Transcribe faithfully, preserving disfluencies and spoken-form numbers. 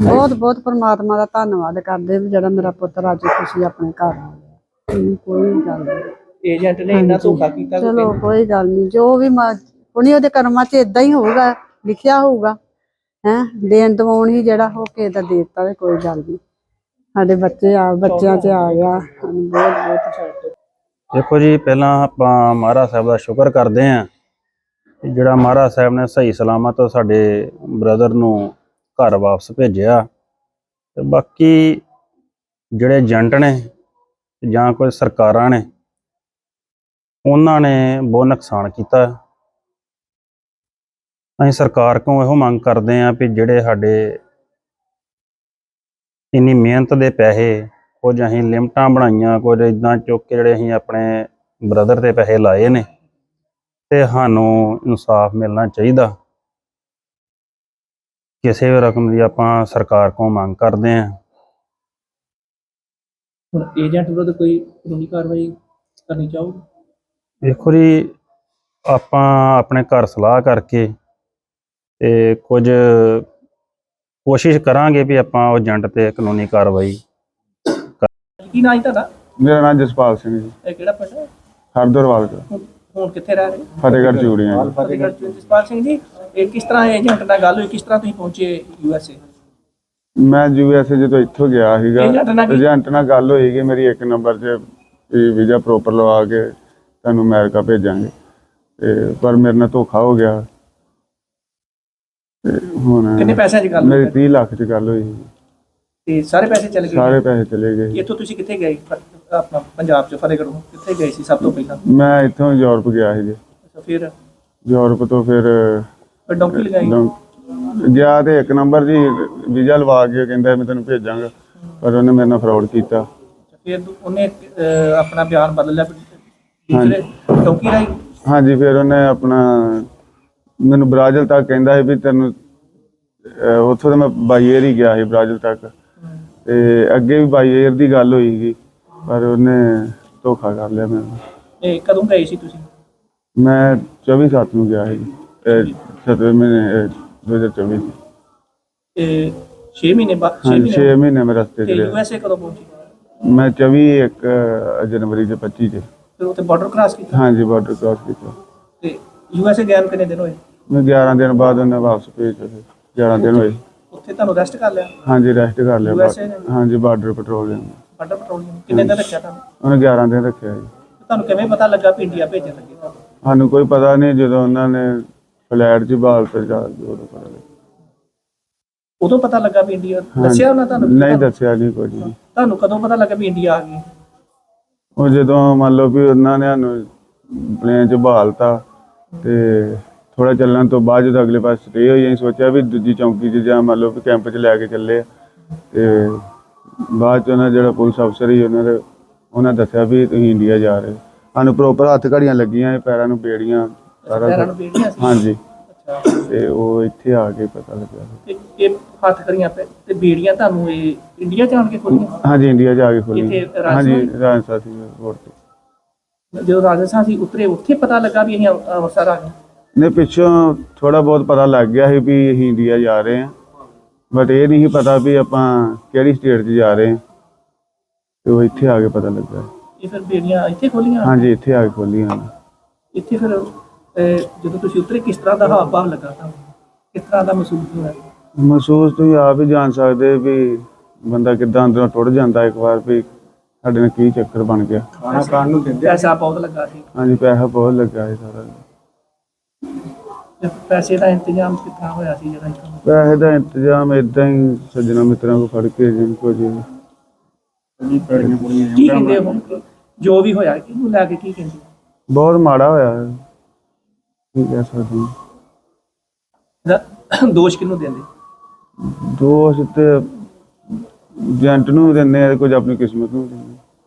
ਬਹੁਤ ਬਹੁਤ ਪਰਮਾਤਮਾ ਦਾ ਧੰਨਵਾਦ ਕਰਦੇ ਵੀ ਜਿਹੜਾ ਮੇਰਾ ਪੁੱਤਰ ਅੱਜ ਖੁਸ਼ੀ ਆਪਣੇ ਘਰ ਆ ਗਿਆ। ਮੈਨੂੰ ਕੋਈ ਗੱਲ ਨਹੀਂ, ਏਜੰਟ ਨੇ ਇੰਨਾ ਧੋਖਾ ਕੀਤਾ ਕਿ ਚਲੋ ਕੋਈ ਗੱਲ ਨਹੀਂ, ਜੋ ਵੀ ਉਹਨੇ ਉਹਦੇ ਕਰਮਾਂ 'ਚ ਇਦਾਂ ਹੀ ਹੋਊਗਾ, ਲਿਖਿਆ ਹੋਊਗਾ। ਹੈ ਦੇਣ ਦਵਾਉਣ ਹੀ ਜਿਹੜਾ ਹੋ ਕੇ ਤਾਂ ਦੇ ਦਿੱਤਾ, ਤੇ ਕੋਈ ਗੱਲ ਨਹੀਂ। ਸਾਡੇ ਬੱਚੇ ਆ ਬੱਚਿਆਂ 'ਚ ਆ ਗਿਆ, ਸਾਨੂੰ ਬਹੁਤ ਬਹੁਤ। ਦੇਖੋ ਜੀ, ਪਹਿਲਾਂ ਆਪਾਂ ਮਹਾਰਾਜ ਸਾਹਿਬ ਦਾ ਸ਼ੁਕਰ ਕਰਦੇ ਹਾਂ ਜਿਹੜਾ ਮਹਾਰਾਜ ਸਾਹਿਬ ਨੇ ਸਹੀ ਸਲਾਮਤ ਸਾਡੇ ਬ੍ਰਦਰ ਨੂੰ ਘਰ ਵਾਪਸ ਭੇਜਿਆ। ਤੇ ਬਾਕੀ ਜਿਹੜੇ ਏਜੰਟ ਨੇ ਜਾਂ ਕੋਈ ਸਰਕਾਰਾਂ ਨੇ, ਉਹਨਾਂ ਨੇ ਬਹੁਤ ਨੁਕਸਾਨ ਕੀਤਾ। ਅਸੀਂ ਸਰਕਾਰ ਕੋਲੋਂ ਇਹੋ ਮੰਗ ਕਰਦੇ ਹਾਂ ਵੀ ਜਿਹੜੇ ਸਾਡੇ ਇੰਨੀ ਮਿਹਨਤ ਦੇ ਪੈਸੇ, ਕੁਝ ਅਸੀਂ ਲਿਮਟਾਂ ਬਣਾਈਆਂ, ਕੁਝ ਇੱਦਾਂ ਚੁੱਕ ਕੇ ਜਿਹੜੇ ਅਸੀਂ ਆਪਣੇ ਬ੍ਰਦਰ ਦੇ ਪੈਸੇ ਲਾਏ ਨੇ, ਤੇ ਸਾਨੂੰ ਇਨਸਾਫ ਮਿਲਣਾ ਚਾਹੀਦਾ। ਕਿਸੇ ਵੀ ਰਕਮ ਦੀ ਆਪਾਂ ਸਰਕਾਰ ਕੋਲ ਮੰਗ ਕਰਦੇ ਹਾਂ। ਹੁਣ ਏਜੰਟ ਵਿਰੁੱਧ ਕੋਈ ਕਾਨੂੰਨੀ ਕਾਰਵਾਈ ਕਰਨੀ ਚਾਹੋਗੇ? ਦੇਖੋ ਜੀ, ਆਪਾਂ ਆਪਣੇ ਘਰ ਸਲਾਹ ਕਰਕੇ ਤੇ ਕੁਝ ਕੋਸ਼ਿਸ਼ ਕਰਾਂਗੇ ਵੀ ਆਪਾਂ ਉਹ ਏਜੰਟ ਤੇ ਕਾਨੂੰਨੀ ਕਾਰਵਾਈ। ਕੀ ਨਾਂ ਜੀ ਤੁਹਾਡਾ? ਮੇਰਾ ਨਾਮ ਜਸਪਾਲ ਸਿੰਘ ਜੀ। ਇਹ ਕਿਹੜਾ ਪਿੰਡ ਹੈ? ਹਰਦਰਵਾਲ ਦਾ। ਹੁਣ ਹੁਣ ਕਿੱਥੇ ਰਹਿ ਰਹੇ? ਫਤਿਹਗੜ੍ਹ ਚੂੜੀਆਂ। ਫਤਿਹਗੜ੍ਹ ਚ। ਜਸਪਾਲ ਸਿੰਘ ਜੀ, ਇਹ ਕਿਸ ਤਰ੍ਹਾਂ ਏਜੰਟ ਨਾਲ ਗੱਲ ਹੋਈ, ਕਿਸ ਤਰ੍ਹਾਂ ਤੁਸੀਂ ਪਹੁੰਚੇ ਯੂ ਐਸ ਏ? ਮੈਂ ਯੂ ਐਸ ਏ ਜਦੋਂ ਇੱਥੋਂ ਗਿਆ ਸੀਗਾ, ਏਜੰਟ ਨਾਲ ਕੀ- ਏਜੰਟ ਨਾਲ ਗੱਲ ਹੋਈ ਕਿ ਮੇਰੀ ਇੱਕ ਨੰਬਰ 'ਚ ਵੀਜ਼ਾ ਪ੍ਰੋਪਰ ਲਵਾ ਕੇ ਤੁਹਾਨੂੰ ਅਮਰੀਕਾ ਭੇਜਾਂਗੇ, ਤੇ ਪਰ ਮੇਰੇ ਨਾਲ ਧੋਖਾ ਹੋ ਗਿਆ। ਤੇ ਹੁਣ ਕਿੰਨੇ ਪੈਸਿਆਂ 'ਚ ਗੱਲ ਮੇਰੀ ਹੋਈ? ਤੀਹ ਲੱਖ 'ਚ ਗੱਲ ਹੋਈ। ਤੇ ਸਾਰੇ ਪੈਸੇ ਚਲੇ ਗਏ? ਸਾਰੇ ਪੈਸੇ ਚਲੇ ਗਏ। ਇੱਥੋਂ ਤੁਸੀਂ ਕਿੱਥੇ ਗਏ? ਫ- ਆਪਣਾ ਪੰਜਾਬ 'ਚ ਫਤਿਹਗੜ੍ਹੋਂ ਕਿੱਥੇ ਗਏ ਸੀ ਸਭ ਤੋਂ ਪਹਿਲਾਂ? ਮੈਂ ਇੱਥੋਂ ਯੂਰਪ ਗਿਆ ਸੀ ਜੀ। ਅੱਛਾ, ਫਿਰ ਯੂਰਪ ਤੋਂ ਫਿਰ ਫਿਰ ਡੌਂਕੀ ਲਗਾਈ? ਡੌਂ- ਗਿਆ ਤੇ ਇੱਕ ਨੰਬਰ ਜੀ ਵੀਜ਼ਾ ਲਵਾ ਕੇ ਕਹਿੰਦਾ ਮੈਂ ਤੈਨੂੰ ਭੇਜਾਂਗਾ, ਪਰ ਉਹਨੇ ਮੇਰੇ ਨਾਲ ਫਰਾਡ ਕੀਤਾ। ਫਿਰ ਉਹਨੇ ਅਹ, ਆਪਣਾ ਬਿਆਨ ਬਦਲ ਲਿਆ ਦੂਸਰੇ ਡੌਂਕੀ ਰਾਈ? ਹਾਂਜੀ, ਫਿਰ ਉਹਨੇ ਆਪਣਾ ਮੈਨੂੰ ਬ੍ਰਾਜ਼ਿਲ ਤੱਕ ਕਹਿੰਦਾ ਸੀ ਵੀ ਤੈਨੂੰ ਅਹ ਉੱਥੋਂ ਤਾਂ ਮੈਂ ਬਾਈ ਏਅਰ ਹੀ ਗਿਆ ਸੀ ਬ੍ਰਾਜ਼ਿਲ ਤੱਕ, ਤੇ ਅੱਗੇ ਵੀ ਬਾਈ ਏਅਰ ਦੀ ਗੱਲ ਹੋਈ ਸੀ, ਪਰ ਉਹਨੇ ਧੋਖਾ ਕਰ ਲਿਆ ਮੈਨੂੰ। ਇਹ ਕਦੋਂ ਗਏ ਸੀ ਤੁਸੀਂ? ਮੈਂ ਚੌਵੀ ਸੱਤ ਨੂੰ ਗਿਆ ਸੀ, ਸਤਵੇਂ ਮਹੀਨੇ ਦੋ ਹਜ਼ਾਰ ਚੌਵੀ। ਇਹ ਛੇ ਮਹੀਨੇ ਬਾਅਦ? ਛੇ ਹਾਂਜੀ, ਛੇ ਮਹੀਨੇ ਮਹੀਨੇ ਮੈਂ ਰਸਤੇ 'ਚ ਤੇ ਯੂ ਰਿਹਾ। ਐਸ ਏ ਕਦੋਂ ਪਹੁੰਚੀ? ਮੈਂ ਚੌਵੀ ਇੱਕ ਜਨਵਰੀ ਦੇ ਪੱਚੀ 'ਚ। ਫਿਰ ਉੱਥੇ ਬਾਰਡਰ ਕ੍ਰਾਸ ਕੀਤਾ? ਹਾਂਜੀ, ਬਾਰਡਰ ਕ੍ਰਾਸ ਕੀਤਾ। ਤੇ ਯੂ ਐਸ ਏ ਗਏ ਨੂੰ ਕਿੰਨੇ ਦਿਨ ਹੋਏ? ਮੈਂ ਗਿਆਰਾਂ ਦਿਨ ਬਾਅਦ ਉਹਨੇ ਵਾਪਸ ਭੇਜਿਆ। ਫਿਰ ਗਿਆਰਾਂ ਦਿਨ ਹੋਏ। ਉੱਥੇ ਤੁਹਾਨੂੰ ਰੈਸਟ ਕਰ ਲਿਆ ਹਾਂਜੀ, ਰੈਸਟ ਕਰ ਲਿਆ। ਯੂ ਐਸ ਏ ਨੇ? ਹਾਂਜੀ, ਬਾਰਡਰ ਪੈਟਰੋਲਿੰਗ। ਬਾਰਡਰ ਪੈਟਰੋਲਿੰਗ ਕਿੰਨੇ ਦਿਨ ਰੱਖਿਆ ਤੁਹਾਨੂੰ? ਉਹਨੇ ਗਿਆਰਾਂ ਦਿਨ ਰੱਖਿਆ ਜੀ। ਤੁਹਾਨੂੰ ਕਿਵੇਂ ਪਤਾ ਲੱਗਾ ਵੀ ਇੰਡੀਆ ਭੇਜਣ ਲੱਗੇ ਤੁਹਾਨੂੰ? ਸਾਨੂੰ ਕੋਈ ਪਤਾ ਨਹੀਂ, ਜਦੋਂ ਉਹਨਾਂ ਨੇ ਫਲੈਟ 'ਚ ਬਾਲ ਤੇ ਜਾ ਕੇ ਉਦੋਂ ਪਤਾ ਲੱਗਾ। ਉਦੋਂ ਪਤਾ ਲੱਗਾ ਵੀ ਇੰਡੀਆ? ਦੱਸਿਆ ਉਹਨਾਂ ਤੁਹਾਨੂੰ? ਨਹੀਂ ਦੱਸਿਆ ਨਹੀਂ ਕੁਝ ਵੀ। ਤੁਹਾਨੂੰ ਕਦੋਂ ਪਤਾ ਲੱਗਾ ਵੀ ਇੰਡੀਆ ਆ ਗਈ? ਉਹ ਜਦੋਂ ਮੰਨ ਲਓ ਵੀ ਉਹਨਾਂ ਨੇ ਸਾਨੂੰ ਪਲੇਨ 'ਚ ਬਹਾਲਤਾ, ਤੇ ਥੋੜਾ ਚੱਲਣ ਤੋਂ ਬਾਅਦ ਜਦੋਂ ਅਗਲੇ ਪਾਸੇ ਸਟੇ ਹੋਈ, ਅਸੀਂ ਸੋਚਿਆ ਵੀ ਦੂਜੀ ਚੌਂਕੀ 'ਚ ਜਾਂ ਮੰਨ ਲਓ ਵੀ ਕੈਂਪ 'ਚ ਲੈ ਕੇ ਚੱਲੇ ਆ। ਤੇ ਬਾਅਦ 'ਚ ਉਹਨਾਂ ਜਿਹੜਾ ਪੁਲਿਸ ਅਫਸਰ ਸੀ ਉਹਨਾਂ ਦੇ ਉਹਨਾਂ ਦੱਸਿਆ ਵੀ ਤੁਸੀਂ ਇੰਡੀਆ ਜਾ ਰਹੇ। ਸਾਨੂੰ ਪ੍ਰੋਪਰ ਹੱਥ ਘੜੀਆਂ ਲੱਗੀਆਂ, ਪੈਰਾਂ ਨੂੰ ਬੇੜੀਆਂ, ਸਾਰਾ ਪੈਰਾਂ ਕੁਛ। ਨੂੰ ਬੇੜੀਆਂ ਸੀ? ਹਾਂਜੀ, ਅੱਛਾ। ਤੇ ਉਹ ਇੱਥੇ ਆ ਕੇ ਪਤਾ ਲੱਗਿਆ। ਤੇ ਇਹ ਹੱਥ ਕਰੀਆਂ ਪੈ ਤੇ ਬੇੜੀਆਂ ਤੁਹਾਨੂੰ ਇਹ ਇੰਡੀਆ ਜਾਣ ਕੇ ਖੋਲੀਆਂ? ਹਾਂਜੀ, ਇੰਡੀਆ ਜਾ ਕੇ ਖੋਲੀ। ਇੱਥੇ ਰਾਜਸਥਾਨ? ਹਾਂਜੀ, ਰਾਜਸਥਾਨ ਸੀ ਰੋਡ ਤੇ। ਜਦੋਂ ਰਾਜਸਥਾਨ ਸੀ ਉਤਰੇ, ਉੱਥੇ ਪਤਾ ਲੱਗਾ ਵੀ ਅਸੀਂ ਅੰਮ੍ਰਿਤਸਰ ਆ ਗਏ? ਨੇ ਪਿੱਛੋਂ ਥੋੜਾ ਬਹੁਤ ਪਤਾ ਲੱਗ ਗਿਆ ਸੀ ਵੀ ਅਸੀਂ ਇੰਡੀਆ ਜਾ ਰਹੇ ਹਾਂ, ਬਟ ਇਹ ਨਹੀਂ ਸੀ ਪਤਾ ਵੀ ਆਪਾਂ ਕਿਹੜੀ ਸਟੇਟ 'ਚ ਜਾ ਰਹੇ ਹਾਂ। ਤੇ ਉਹ ਇੱਥੇ ਆ ਕੇ ਪਤਾ ਲੱਗਾ। ਇਹ ਫਿਰ ਬੇੜੀਆਂ ਇੱਥੇ ਖੋਲੀਆਂ? ਹਾਂਜੀ, ਇੱਥੇ ਆ ਕੇ ਖੋਲੀਆਂ। ਇੱਥੇ ਫਿਰ ਅਹ, ਜਦੋਂ ਤੁਸੀਂ ਉਤਰੇ ਕਿਸ ਤਰ੍ਹਾਂ ਦਾ ਹਾਵ ਭਾਵ ਲੱਗਾ ਤੁਹਾਨੂੰ? ਕਿਸ ਤਰ੍ਹਾਂ ਦਾ ਮਹਿਸੂਸ ਹੋਇਆ? ਮਹਿਸੂਸ ਤੁਸੀਂ ਆਪ ਹੀ ਜਾਣ ਸਕਦੇ ਵੀ ਬੰਦਾ ਕਿੱਦਾਂ ਅੰਦਰੋਂ ਟੁੱਟ ਜਾਂਦਾ ਇੱਕ ਵਾਰ ਵੀ ਸਾਡੇ ਨਾਲ ਕੀ ਚੱਕਰ ਬਣ ਗਿਆ। ਖਾਣਾ ਖਾਣ ਨੂੰ ਦਿੰਦੇ? ਪੈਸਾ ਬਹੁਤ ਲੱਗਾ ਸੀ? ਹਾਂਜੀ, ਪੈਸਾ ਬਹੁਤ ਲੱਗਾ ਸੀ ਸਾਰਾ। ਤੇ ਪੈਸੇ ਦਾ ਇੰਤਜ਼ਾਮ ਕਿੱਥਾਂ ਹੋਇਆ ਸੀ ਜਿਹੜਾ ਇੱਥੋਂ? ਪੈਸੇ ਦਾ ਇੰਤਜ਼ਾਮ ਏਦਾਂ ਹੀ ਸੱਜਣਾ ਮਿੱਤਰਾਂ ਕੋਲ ਫੜ ਕੇ ਜਿੰਨ ਕੋ ਜੀ। ਕੀ ਕਹਿੰਦੇ ਹੁਣ ਜੋ ਵੀ ਹੋਇਆ ਕਿਹਨੂੰ ਲੈ ਕੇ ਕੀ ਕਹਿੰਦੇ? ਬਹੁਤ ਮਾੜਾ ਹੋਇਆ ਹੈ, ਕੀ ਕਹਿ ਸਕਦੇ ਹਾਂ। ਇਹਦਾ ਦੋਸ਼ ਕਿਹਨੂੰ ਦਿੰਦੇ? ਦੋਸ਼ ਤੇ ਏਜੰਟ ਨੂੰ ਦਿੰਦੇ ਆ, ਕੁਝ ਆਪਣੀ ਕਿਸਮਤ ਨੂੰ ਦਿੰਦੇ।